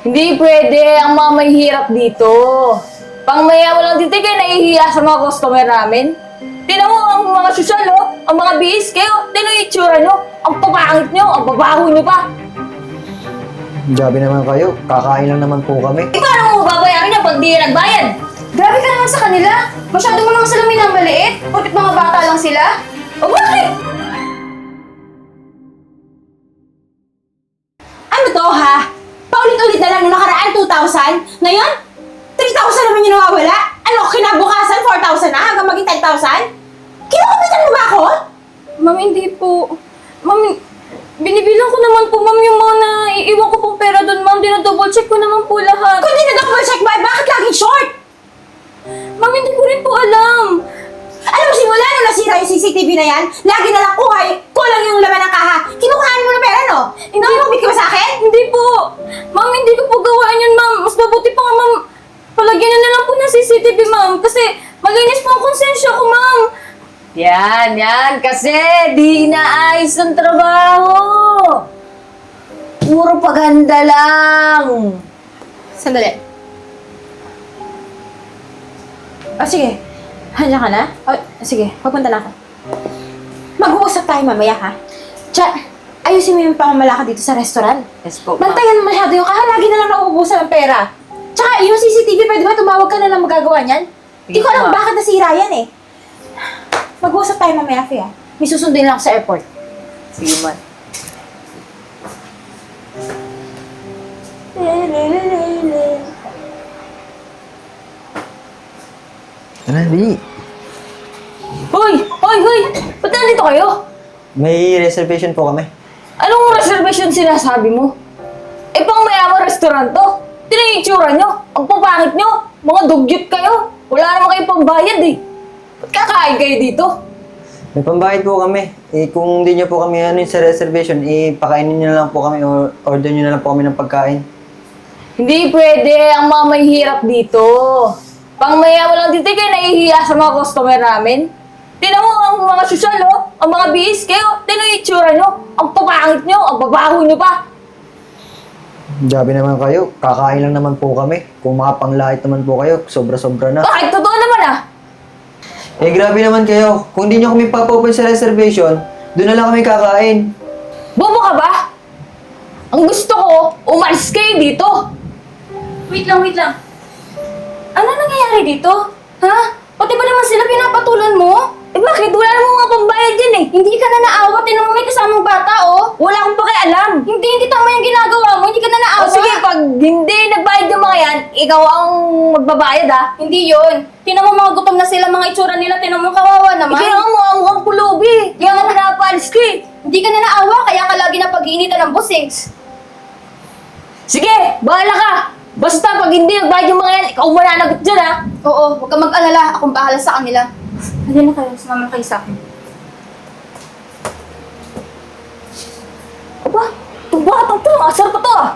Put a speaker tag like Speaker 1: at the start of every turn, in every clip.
Speaker 1: Hindi pwede ang mga may hirap dito. Pangmaya mo lang dito kayo nahihiya sa mga customer namin. Tinan mo ang mga sosyal, oh. Ang mga bihis kayo. Tinan yung itsura nyo. Ang papangit nyo. Ang babaho nyo pa.
Speaker 2: Grabe naman kayo. Kakain lang naman po kami.
Speaker 1: Ikaw ano mo babayaran niya pag di nagbayad?
Speaker 3: Grabe ka naman sa kanila. Masyado mo naman sila minamaliit. Porkit mga bata lang sila.
Speaker 1: O bakit?
Speaker 3: Ano to, ha? Paulit-ulit na lang nung nakaraan 2,000. Ngayon, 3,000 naman yung nawawala. Ano, kinabukasan 4,000 na hanggang maging 10,000? Kinukupitan mo ba ako?
Speaker 4: Ma'am, hindi po. Ma'am, binibilang ko naman po, ma'am, yung mga naiiwan ko pong pera doon, ma'am. Dinodouble check ko naman po lahat.
Speaker 3: Kung di na double check mo, bakit laging short?
Speaker 4: Ma'am, hindi ko rin po alam.
Speaker 3: Alam mo, simula nung nasira yung CCTV na yan, lagi na lang kulang yung laman ng kaha. Kinukuhaan mo ng pera, no? Hindi mo ka ba sa akin?
Speaker 4: Hindi po. Ma'am, hindi ko po gawaan yun, ma'am. Mas mabuti pa nga, ma'am. Palagyan na lang po ng CCTV, ma'am. Kasi malinis po ang konsensya ko, ma'am.
Speaker 1: Yan. Kasi di inaayos ng trabaho. Puro paganda lang.
Speaker 3: Sandali. Sige. Handa ka na? Sige, papunta na ako. Mag-uusap tayo mamaya, ha? Ayusin mo yung pamamalakad dito sa restaurant.
Speaker 1: Yes po, ma'am.
Speaker 3: Bantayan mo masyado yung kaha, lagi na lang nauubusan ng pera. Tsaka yung CCTV, pwede ba tumawag ka na lang magagawa niyan? Hindi ko alam
Speaker 1: ma'am.
Speaker 3: bakit nasira yan eh. Mag-uusap tayo mamaya, Fia. May susundin lang ako sa airport.
Speaker 1: Sige, ma'am.
Speaker 2: Tara, di.
Speaker 1: Hoy! Ba't nandito kayo?
Speaker 2: May reservation po kami.
Speaker 1: Anong reservation sinasabi mo? Pang mayamang restaurant to. Tinan yung itsura nyo. Ang papangit nyo. Mga dugyot kayo. Wala naman kayong pambayad eh. Ba't kakain kayo dito?
Speaker 2: May pambayad po kami. Kung hindi niyo po kami sa reservation, pakainin niyo na lang po kami or order niyo na lang po kami ng pagkain.
Speaker 1: Hindi pwede ang mga may hirap dito. Pang mayaman lang dito kayo nahihiya sa mga customer namin. Tinan mo ang mga sosyal, oh. Ang mga bihis kayo. Tinan yung itsura nyo. Ang papangit nyo. Ang babaho nyo pa.
Speaker 2: Grabe naman kayo. Kakain lang naman po kami. Kung makapanglait naman po kayo, sobra-sobra na.
Speaker 1: Bakit? Totoo naman ah.
Speaker 2: Grabe naman kayo. Kung hindi niyo kami papopen sa reservation, doon na lang kami kakain.
Speaker 1: Bobo ka ba? Ang gusto ko, umalis kayo dito.
Speaker 4: Wait lang. Ano nangyayari dito? Ha? Pati ba naman sila pinapatulan mo?
Speaker 1: Bakit? Wala namang mga pambayad yan eh.
Speaker 4: Hindi ka na naawa. Tinan mo may kasamang bata, oh.
Speaker 1: Wala akong pakialam.
Speaker 4: Hindi tama yung ginagawa mo. Hindi ka na naawa.
Speaker 1: O sige, pag hindi nagbayad yung mga yan, ikaw ang magbabayad ah.
Speaker 4: Hindi yun. Tinan mo mga gutom na sila, mga itsura nila. Tinan mo kawawa naman.
Speaker 1: Ikaw ang mukhang pulubi. Kaya nga pinapalis ko eh.
Speaker 4: Hindi ka na naawa, kaya ka lagi na pag-iinitan ng busings.
Speaker 1: Sige, bahala ka. Basta pag hindi nagbayad yung mga yan, ikaw mananagot dyan ah.
Speaker 4: Oo, huwag kang mag-alala. Akong bahala sa kanila. Halina kayo, sumama kayo sa akin.
Speaker 1: Aba, itong batang to, asar pa to ah.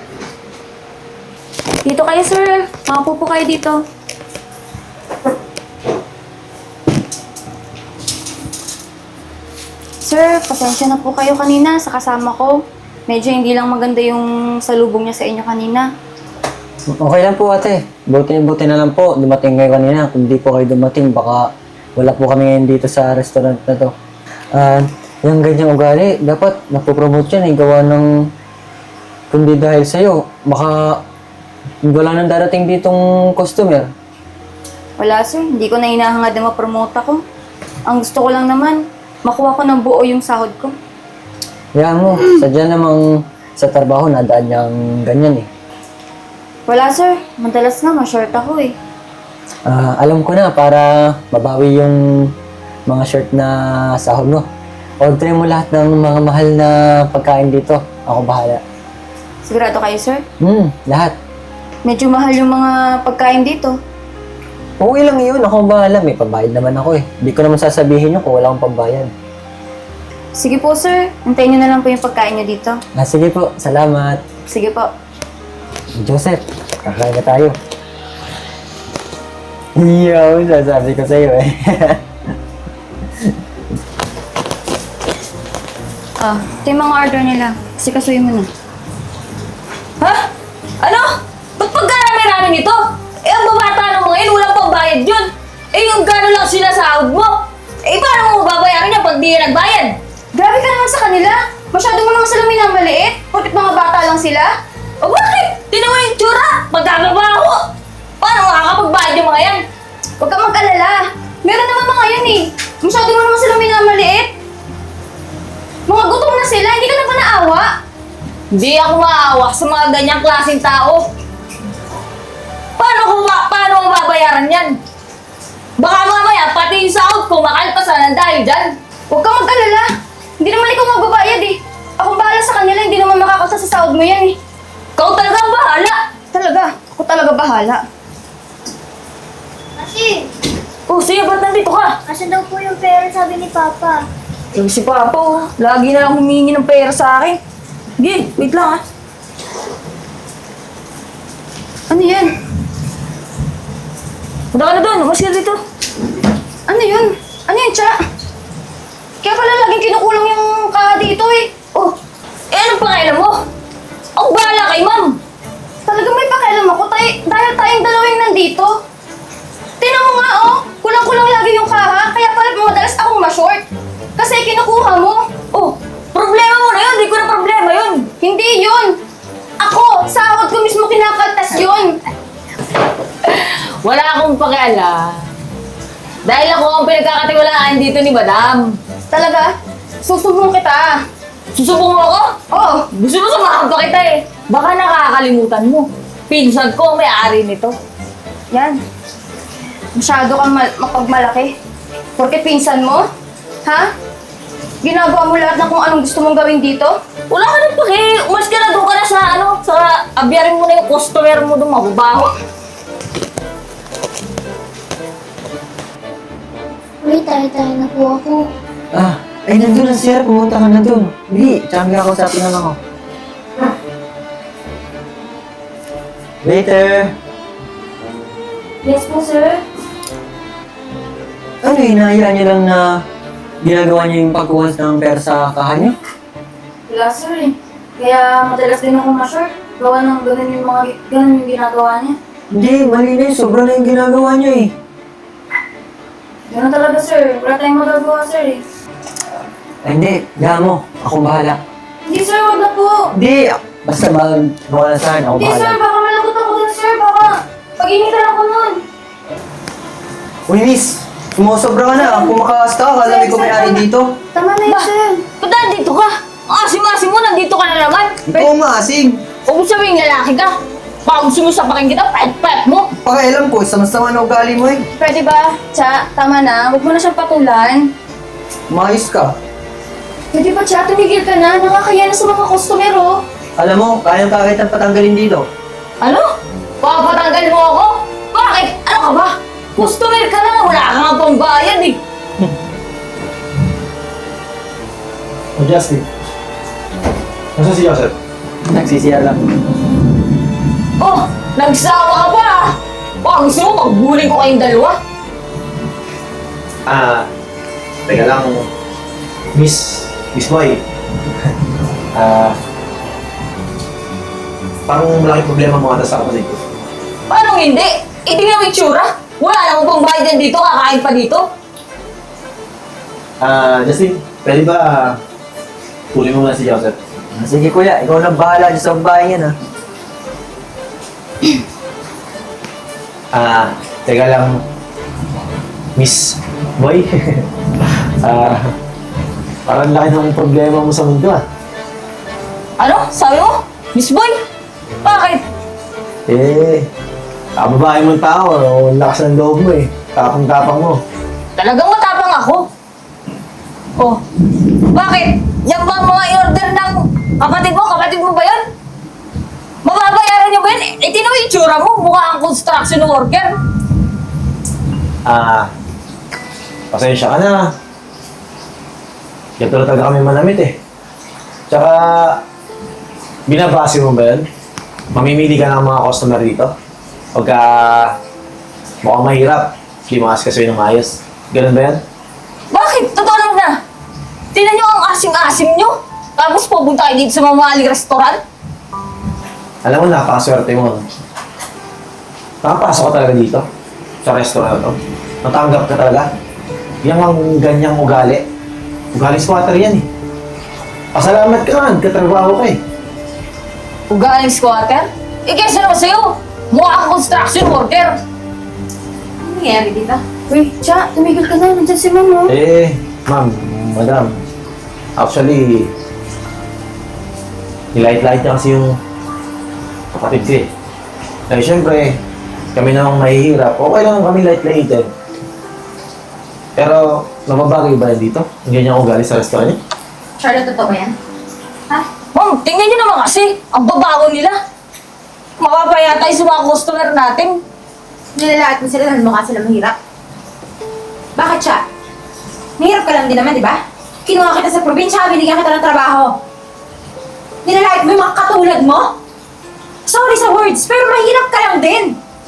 Speaker 4: Dito kayo, sir. Makapo po kayo dito. Sir, pasensya na po kayo kanina sa kasama ko. Medyo hindi lang maganda yung salubong niya sa inyo kanina.
Speaker 2: Okay lang po ate. Buti na lang po. Dumating kayo kanina. Kung di po kayo dumating, baka wala po kami ngayon dito sa restaurant na to. Yung ganyang ugali, dapat napopromote yan. Gawa ng... Kundi dahil sa'yo, baka wala nang darating ditong customer.
Speaker 4: Wala, sir. Hindi ko na hinahangad na ma-promote ako. Ang gusto ko lang naman, makuha ko ng buo yung sahod ko.
Speaker 2: Yan mo, sadya namang sa trabaho nadaan niyang ganyan eh.
Speaker 4: Wala, sir. Madalas nga, ma-short ako eh.
Speaker 2: Alam ko na, para mabawi yung mga short na sahod mo. Order mo lahat ng mga mahal na pagkain dito. Ako bahala.
Speaker 4: Sigurado kayo, sir?
Speaker 2: Lahat.
Speaker 4: Medyo mahal yung mga pagkain dito.
Speaker 2: Okay lang yun, ako bahala. May pambayad naman ako eh. Hindi ko naman sasabihin yun kung wala akong pambayad.
Speaker 4: Sige po, sir. Hintayin niyo na lang po yung pagkain niyo dito.
Speaker 2: Sige po, salamat.
Speaker 4: Sige po.
Speaker 2: Joseph, kakain na tayo. Iyo, sasabi ko sa'yo eh.
Speaker 4: Ito yung mga order nila. Kasi kasuyin mo na.
Speaker 1: Ha? Ano? akin ito. Eh, ang babata ng mga yun, walang pambayad yun. Eh, yung gano'n lang sila sahod mo. Eh, paano mo babayaran yan pag di yan nagbayad?
Speaker 3: Grabe ka naman sa kanila. Masyado mo naman sila minamaliit. Porkit mga bata lang sila.
Speaker 1: O bakit? Tinan mo yung tsura. Magkakaba ako. Paano makakapagbayad yung mga yan?
Speaker 3: Huwag kang mag-alala. Meron naman mga yan eh. Masyado mo naman sila minamaliit. Mga gutom na sila, hindi ka na ba naawa?
Speaker 1: Hindi ako maawa sa mga ganyang klaseng tao. Paano mo babayaran yan? Baka mamaya, pati yung sahod ko, makalpasan ng dahil dyan.
Speaker 3: Huwag kang mag-alala. Hindi naman ikaw magbabayad eh. Akong bahala sa kanila, hindi naman makakalsa sa sahod mo yan eh.
Speaker 1: Ikaw talaga ang bahala.
Speaker 3: Talaga, ako talaga bahala.
Speaker 5: Kasi,
Speaker 1: Oh, sige, ba't nandito ka?
Speaker 5: kasi daw po yung pera sabi ni Papa.
Speaker 1: Sabi si Papa, oh, lagi na lang humingi ng pera sa akin. Sige, wait lang ah.
Speaker 3: Ano yan?
Speaker 1: Punta ka na doon, umas ka dito.
Speaker 3: Ano yun? Ano yun, Cha? Kaya pala laging kinukulang yung kaha dito eh.
Speaker 1: Oh, eh anong pakialam mo? Ako bahala kay ma'am.
Speaker 3: Talagang may pakialam ako dahil tayong dalawang nandito. Tingnan mo nga oh, kulang-kulang lagi yung kaha, kaya pala madalas akong ma-short. Kasi kinukuha mo.
Speaker 1: Oh, problema mo na yun, di ko na problema yun.
Speaker 3: Hindi yun. Ako, sahod ko mismo kinakaltas yun.
Speaker 1: Wala akong pakialam. Dahil ako ang pinagkakatiwalaan dito ni Madam.
Speaker 3: Talaga? Susumbong kita.
Speaker 1: Susubong mo ako?
Speaker 3: Oo.
Speaker 1: Gusto mo samahan pa kita eh. Baka nakakalimutan mo. Pinsan ko ang may-ari nito.
Speaker 3: Yan. Masyado kang mapagmalaki. Porke pinsan mo? Ha? Ginagawa mo lahat ng kung anong gusto mong gawin dito?
Speaker 1: Wala ka na paki. Umas ka na doon ka na sa abyarin mo na yung customer mo doon, mababaho.
Speaker 5: Uy, tayo-tayo na po ako.
Speaker 2: Ay, nandun na sir. Pumunta ka na dun. Hindi, tsaka may kakausapin lang ako. Later.
Speaker 5: Yes po, sir.
Speaker 2: Ano, hinahayaan niyo lang na ginagawa niyo yung pagkuha ng pera sa kaha niyo?
Speaker 4: Wala sir eh. Kaya madalas din ako ma-short. Gawa ng ganun yung ginagawa niya.
Speaker 2: Hindi, mali na yun. Sobra na yung ginagawa niyo eh.
Speaker 4: Ganun talaga sir. Wala tayong magagawa sir eh.
Speaker 2: Ay, hindi. Gawa mo. Akong bahala.
Speaker 4: Hindi sir, wag na po.
Speaker 2: Hindi. Basta wala sa akin. Ako
Speaker 4: Hindi sir,
Speaker 2: bahala.
Speaker 4: baka malakot ako dun sir. Baka pag-initan ako nun.
Speaker 2: Uy, miss. Sumusobra ka na. Kung makakasta ka, kala may kumayari dito.
Speaker 5: Tama na yun, sir.
Speaker 1: Ba't nandito ka? Ang asim-asim mo, nandito ka na naman.
Speaker 2: Ikaw maasing.
Speaker 1: Huwag mo sabihin lalaki ka. Baka gusto mo sapakin kita, pet-pet mo.
Speaker 2: Pakialam ko, sama-sama na ugali mo eh.
Speaker 3: Pwede ba? Cha, tama na. Huwag mo na siyang patulan.
Speaker 2: Maayos ka.
Speaker 3: Pwede ba, Cha? Tumigil ka na. Nakakaya na sa mga customer, oh.
Speaker 2: Alam mo, kayang kakitang patanggalin dito.
Speaker 1: Ano? Papatanggal mo ako? Bakit? Ano ka ba? Customer ka na, wala ka nga pambayad eh.
Speaker 6: O Justin, nasa si Joseph?
Speaker 2: Nagsisiya lang.
Speaker 1: Oh, nagsawa ka pa ah. Baka gusto mo magbuling ko kayong dalawa.
Speaker 6: Teka lang, Miss Boy. Parang malaking problema mo ata sa kapatid ko.
Speaker 1: Paano hindi? Itingnan mo yung tsura. Wala namang pambayad yan dito, kakain pa dito.
Speaker 6: Justin, pwede ba kunin mo muna si Joseph?
Speaker 2: Sige kuya, ikaw na bahala dyan sa bahay yan
Speaker 6: Teka lang, Miss Boy. Parang laki ng problema mo sa mundo
Speaker 1: Ano? Sabi mo? Miss Boy? Bakit?
Speaker 6: Kababae mong tao, ang lakas ng loob mo eh. Tapang-tapang mo.
Speaker 1: Talagang matapang ako. Oh, bakit? Yan ba ang mga in-order ng kapatid mo? Kapatid mo ba yan? Mababayaran niyo ba yan? Eh, tinan mo yung tsura mo. Mukha kang construction worker.
Speaker 6: Pasensya ka na. Ganito na talaga kami manamit eh. Tsaka, binabase mo ba yan? Mamimili ka ng mga customer dito? Pagka mukhang mahirap, limakas ka sa'yo ng maayos. Ganun ba yan?
Speaker 1: Bakit? Totoo lang na. Tingnan niyo ang asim-asim niyo. Tapos pupunta kayo dito sa mamahaling restaurant.
Speaker 6: Alam mo, napakaswerte mo. Nakapasok ka talaga dito? Sa restaurant to? Natanggap ka talaga? Yan ang ganyang ugali. Ugali squatter yan eh. Pasalamat ka nga, nagkatrabaho ka eh.
Speaker 1: Ugaling squatter? Eh, kesa naman sa'yo. Mukha kang construction worker.
Speaker 3: Ano nangyayari dito?
Speaker 5: Uy, Cha, tumigil ka na. Nandiyan si Mama.
Speaker 6: Ma'am, madam. Actually, nilait-lait niya kasi yung kapatid ko eh. Dahil syempre, kami namang mahihirap. Okay lang kami light-lighted. Pero, nababagay ba yan dito? Ang ganyan ugali sa restaurant niya?
Speaker 3: Charlotte, totoo ba yan? Ha?
Speaker 1: Ma'am, tingnan nyo naman kasi. Ang babago nila. Mapapaya tayo sa mga customer natin.
Speaker 3: Nilalaat mo sila dahil mukha sila mahirap. Bakit siya? Mahirap ka lang din naman, di ba? Kinuha kita sa probinsya, binigyan kita ng trabaho. Nilalait mo yung mga katulad mo? Sorry sa words, pero mahirap ka lang din.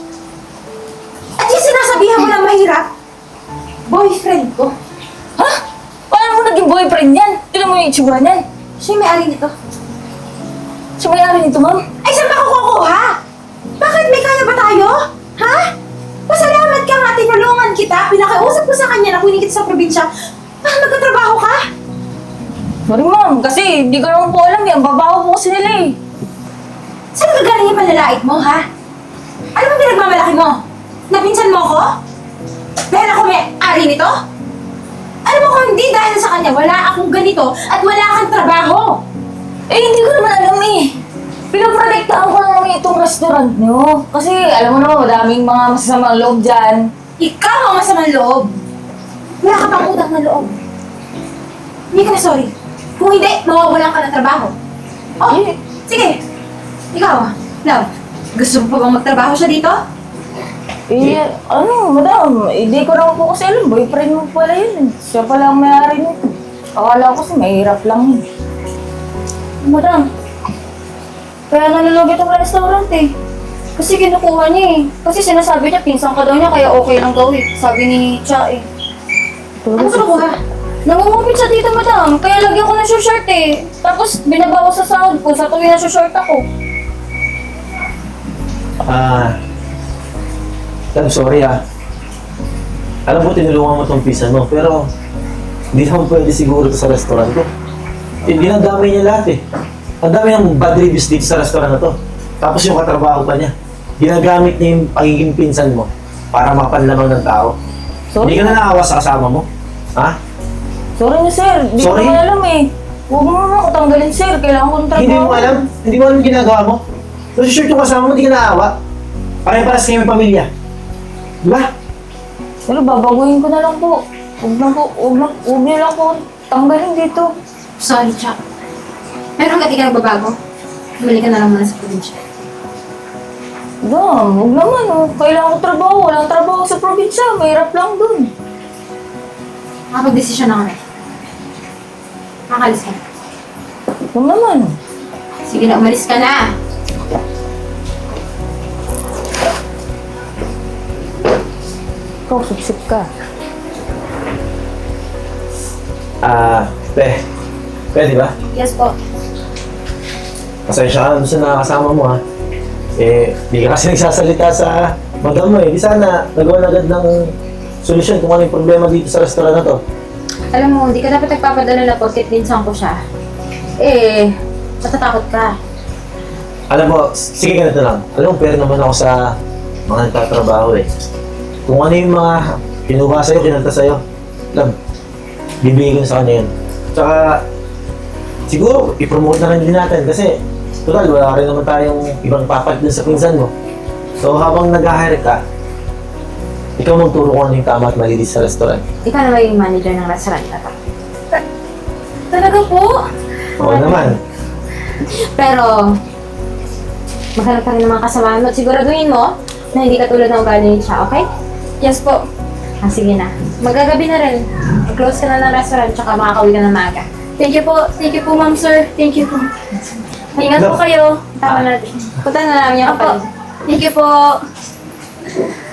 Speaker 3: At yung sinasabihan mo ng mahirap, boyfriend ko.
Speaker 1: Ha? Paano mo naging boyfriend yan? Tignan mo yung itsura niyan.
Speaker 3: Siya yung may-ari nito.
Speaker 1: Siya may-ari nito, ma'am.
Speaker 3: Ay, saan ka kukuha? Bakit may kaya ba tayo? Ha? Pasalamat ka nga, tinulungan kita. Pinakiusap ko sa kanya na kunin kita sa probinsya. Magkatrabaho ka?
Speaker 1: Sorry, ma'am. Kasi hindi ko naman po alam yan. Babago po kasi nila eh.
Speaker 3: Saan ka galing yung panlalait mo, ha? Ano bang pinagmamalaki mo? Napinsan mo ko? Dahil ako may-ari nito? Alam mo kung hindi dahil sa kanya, wala akong ganito at wala kang trabaho.
Speaker 1: Eh, hindi ko naman alam eh. Pinoprotektahan ko lang naman itong restaurant nyo. Kasi alam mo naman, madaming mga masasamang loob dyan.
Speaker 3: Ikaw ang masamang loob. Wala ka pang utang na loob. Hindi ka na sorry. Kung hindi, mawawalan ka ng trabaho. Oh, sige. Ikaw, love. Gusto mo pa bang magtrabaho siya dito?
Speaker 1: Eh, ano, madam, hindi ko naman po kasi alam. Boyfriend mo pala yun. Siya pala ang may-ari nito. Akala ko kasi mahirap lang yun.
Speaker 5: Madam, kaya nalulugi itong restaurant eh. Kasi kinukuha niya eh. Kasi sinasabi niya, pinsan ka daw niya, kaya okay lang daw eh. Sabi ni Cha eh.
Speaker 3: Ano kinukuha?
Speaker 5: Nangungupit siya dito, madam. Kaya lagyan ko ng short eh. Tapos binabawas sa sahod ko sa tuwing na short ako.
Speaker 6: I'm sorry Alam mo, tinulungan mo tong pizza mo, pero hindi naman pwede siguro ito sa restaurant ko. Dinadamay niya lahat eh. Ang dami ng bad reviews dito sa restaurant na to. Tapos yung katrabaho pa niya, ginagamit niya yung pagiging pinsan mo para mapanlamang ng tao.
Speaker 1: Sorry.
Speaker 6: Hindi ka na naawa sa kasama mo? Ha?
Speaker 1: Sorry na, sir. Hindi ko
Speaker 6: Sorry?
Speaker 1: naman alam eh. Huwag mo naman ako tanggalin, sir. Kailangan ko ng trabaho.
Speaker 6: Hindi mo alam? Hindi mo alam yung ginagawa mo? Kasi sure yung kasama mo, hindi ka naawa. Pare-paras kayo may pamilya. Diba?
Speaker 1: Pero babaguhin ko na lang po. Huwag niyo lang po tanggalin dito.
Speaker 3: Sorry, Chuck. Pero hanggat di ka nagbabago, bumalik ka na lang muna sa probinsya.
Speaker 1: Dam, huwag naman oh. Kailangan ko trabaho. Walang trabaho sa probinsya. Mahirap lang dun.
Speaker 3: Makapag-desisyon na kami. Makalis ka na.
Speaker 1: Huwag naman.
Speaker 3: Sige na, umalis ka na.
Speaker 1: Ikaw, sip ka.
Speaker 6: Pwede ba?
Speaker 3: Yes po.
Speaker 6: Pasensya ka na sa nakakasama mo ha. Di ka kasi nagsasalita sa madam mo eh. Di sana nagawa na agad ng solusyon kung ano yung problema dito sa restaurant na to.
Speaker 3: Alam mo, hindi ka dapat nagpapadala na porkit pinsan ko siya. Matatakot ka.
Speaker 6: Alam mo, sige ganito lang. Alam mo, pero naman ako sa mga nagtatrabaho eh. Kung ano yung mga pinuha sa'yo, kinanta sa'yo, alam, bibigay ko na sa kanya yun. Tsaka, siguro, i-promote na rin din natin kasi, total, wala rin naman tayong ibang papalit dun sa pinsan mo. So, habang nag-hire ka, ikaw magturo kung ano yung tama at mali dito sa restaurant.
Speaker 3: Ikaw na ba yung manager ng restaurant na to?
Speaker 5: Talaga po?
Speaker 6: Oo naman.
Speaker 3: Pero, maghanap ka rin ng mga kasamahan mo at siguraduhin mo na hindi ka tulad ng ugali ni siya, okay?
Speaker 5: Yes po.
Speaker 3: Sige na. Magagabi na rin. Mag-close ka na ng restaurant tsaka makakauwi ka ng maaga.
Speaker 5: Thank you po. Thank you po, ma'am, sir. Thank you po. Ingat po kayo.
Speaker 3: Tama natin. Punta na namin yung
Speaker 5: Opo.
Speaker 3: kapatid.
Speaker 5: Thank you po.